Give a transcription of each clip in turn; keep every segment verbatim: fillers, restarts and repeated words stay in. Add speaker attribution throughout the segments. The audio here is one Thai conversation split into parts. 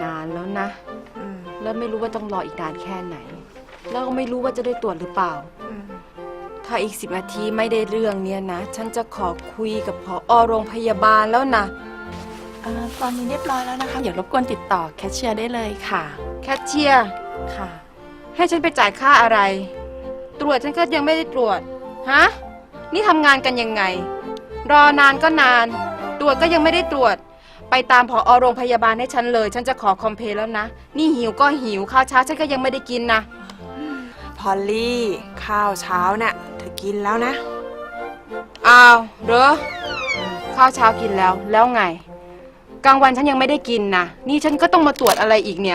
Speaker 1: นานแล้วนะแล้วไม่รู้ว่าต้องรออีกนานแค่ไหนแล้วก็ไม่รู้ว่าจะได้ตรวจหรือเปล่าถ้าอีกสิบนาทีไม่ได้เรื่องเนี้ยนะฉันจะขอคุยกับผอ.โรงพยาบาลแล้วนะ
Speaker 2: เอ่อตอนนี้เรียบร้อยแล้วนะคะเดี๋ยวรบกวนติดต่อแคชเชียร์ได้เลยค่ะ
Speaker 1: แคชเชียร์
Speaker 2: ค่ะ
Speaker 1: ให้ฉันไปจ่ายค่าอะไรตรวจฉันก็ยังไม่ได้ตรวจฮะนี่ทำงานกันยังไงรอนานก็นานตรวจก็ยังไม่ได้ตรวจไปตามผอ.โรงพยาบาลให้ฉันเลยฉันจะขอคอมเพลแล้วนะนี่หิวก็หิวข้าวเช้าฉันก็ยังไม่ได้กินนะ
Speaker 3: พอลลี่ข้าวเช้าน่ะเธอกินแล้วนะ
Speaker 1: อ้าวเหรอข้าวเช้ากินแล้วแล้วไงกลางวันฉันยังไม่ได้กินนะนี่ฉันก็ต้องมาตรวจอะไรอีกเนี่ย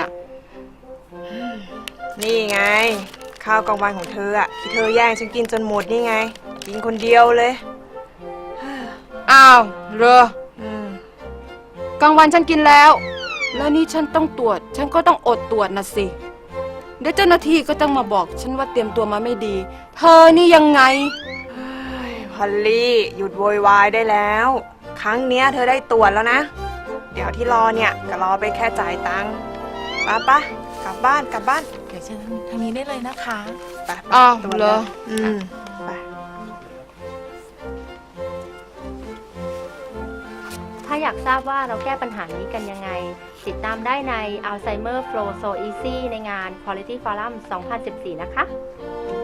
Speaker 3: นี่ไงข้าวกลางวันของเธออะที่เธอแย่งฉันกินจนหมดนี่ไงกินคนเดียวเลย
Speaker 1: อ้าวเหรอกลางวันฉันกินแล้วแล้วนี่ฉันต้องตรวจฉันก็ต้องอดตรวจนะสิเดี๋ยวเจ้าหน้าที่ก็ต้องมาบอกฉันว่าเตรียมตัวมาไม่ดีเธอนี่ยังไง
Speaker 3: พอลลี่หยุดโวยวายได้แล้วครั้งเนี้ยเธอได้ตรวจแล้วนะเดี๋ยวที่รอเนี่ยก็รอไปแค่จ่ายตังค์ป้าป้ากลับบ้านกลับบ้าน
Speaker 2: เดี๋ยวเชิญทางนี้ได้เลยนะคะ
Speaker 3: ไป
Speaker 1: อ้าวเหรอ
Speaker 3: อืมไป
Speaker 4: ถ้าอยากทราบว่าเราแก้ปัญหานี้กันยังไงติดตามได้ใน Alzheimer Flow So Easy ในงาน Quality Forum สองพันสิบสี่ นะคะ